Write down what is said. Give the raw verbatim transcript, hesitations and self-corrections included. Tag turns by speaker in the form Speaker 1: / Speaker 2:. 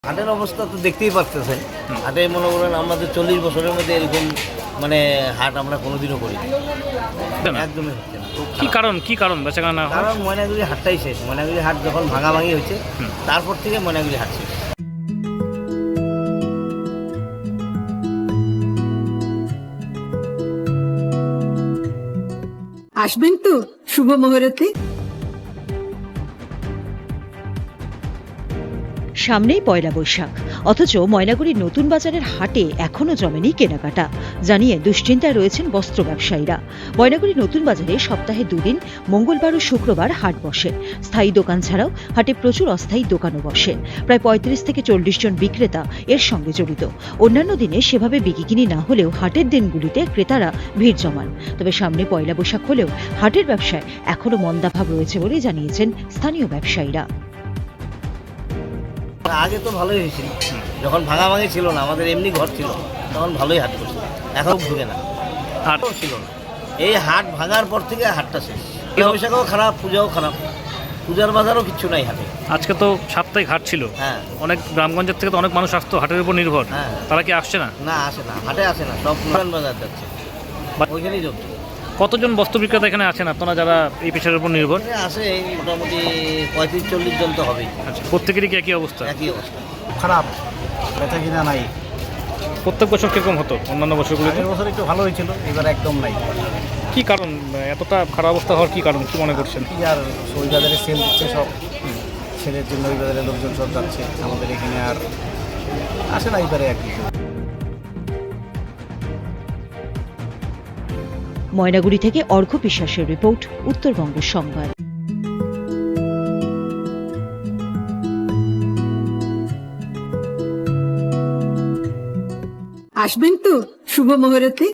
Speaker 1: হাটের অবস্থা তো দেখতেই পারতেছেন। হাটে মনে করেন আমাদের চল্লিশ বছরের মধ্যে এরকম মানে হাট আমরা কোনোদিনও করি একদমই হচ্ছে না।
Speaker 2: কি কারণ কি কারণ বেচাকেনা না হয়?
Speaker 1: কারণ ময়নাগুড়ি হাটটাই শেষ। ময়নাগুড়ি হাট যখন ভাঙাভাঙি হয়েছে তারপর থেকে ময়নাগুড়ি হাট শেষ।
Speaker 3: আসবেন তো শুভ মুহূর্তে।
Speaker 4: সামনেই পয়লা বৈশাখ, অথচ ময়নাগুড়ির নতুন বাজারের হাটে এখনও জমেনি কেনাকাটা জানিয়ে দুশ্চিন্তায় রয়েছেন বস্ত্র ব্যবসায়ীরা। ময়নাগুড়ি নতুন বাজারে সপ্তাহে দুদিন মঙ্গলবার ও শুক্রবার হাট বসে। স্থায়ী দোকান ছাড়াও হাটে প্রচুর অস্থায়ী দোকানও বসে। প্রায় পঁয়ত্রিশ থেকে চল্লিশ জন বিক্রেতা এর সঙ্গে জড়িত। অন্যান্য দিনে সেভাবে বিকিকিনি না হলেও হাটের দিনগুলিতে ক্রেতারা ভিড় জমান। তবে সামনে পয়লা বৈশাখ হলেও হাটের ব্যবসায় এখনও মন্দাভাব রয়েছে বলে জানিয়েছেন স্থানীয় ব্যবসায়ীরা।
Speaker 1: আগে তো ভালোই হয়েছিল, যখন ভাঙাভাঙি ছিল না, আমাদের এমনি ঘর ছিল, তখন ভালোই হাট করছিল। এখন ঢুকে না, হাটও ছিল না। এই হাট ভাঙার পর থেকে হাটটা শেষ। পয়লা বৈশাখও খারাপ, পূজাও খারাপ, পূজার বাজারও কিচ্ছু নাই হাটে।
Speaker 2: আজকে তো সাপ্তাহিক হাট ছিল,
Speaker 1: হ্যাঁ
Speaker 2: অনেক গ্রামগঞ্জের থেকে তো অনেক মানুষ আসতো হাটের উপর নির্ভর।
Speaker 1: হ্যাঁ।
Speaker 2: তারা কি আসছে না?
Speaker 1: না আসে না, হাটে আসে না, সব পুরান বাজার যাচ্ছে, ওইখানেই চলছে।
Speaker 2: কতজন বস্ত্র বিক্রেতা এখানে আছেন আপনারা যারা এই পেশার উপর নির্ভর?
Speaker 1: এখানে আসে মোটামুটি পঁয়ত্রিশ চল্লিশ জন তো হবেই।
Speaker 2: আচ্ছা, প্রত্যেকেরই কি একই অবস্থা?
Speaker 1: একই অবস্থা।
Speaker 5: খারাপ, বেচা কিনা নাই।
Speaker 2: প্রত্যেক বছর কিরকম হতো অন্যান্য বছরগুলোতে?
Speaker 5: আগের বছর একটু ভালো হয়েছিল, এবার একদম নাই।
Speaker 2: কি কারণ এতটা খারাপ অবস্থা হওয়ার কি কারণ কি মনে করছেন?
Speaker 5: কি আর ওই বাজারে সেল দিচ্ছে সব, সেলের জন্য ওই বাজারে লোকজন সব যাচ্ছে, আমাদের এখানে আর আসে না এবারে আর কি।
Speaker 4: ময়নাগুড়ি থেকে অর্ঘ্য বিশ্বাসের রিপোর্ট, উত্তরবঙ্গ সংবাদ।
Speaker 3: আসবেন তো শুভ মুহূর্তে।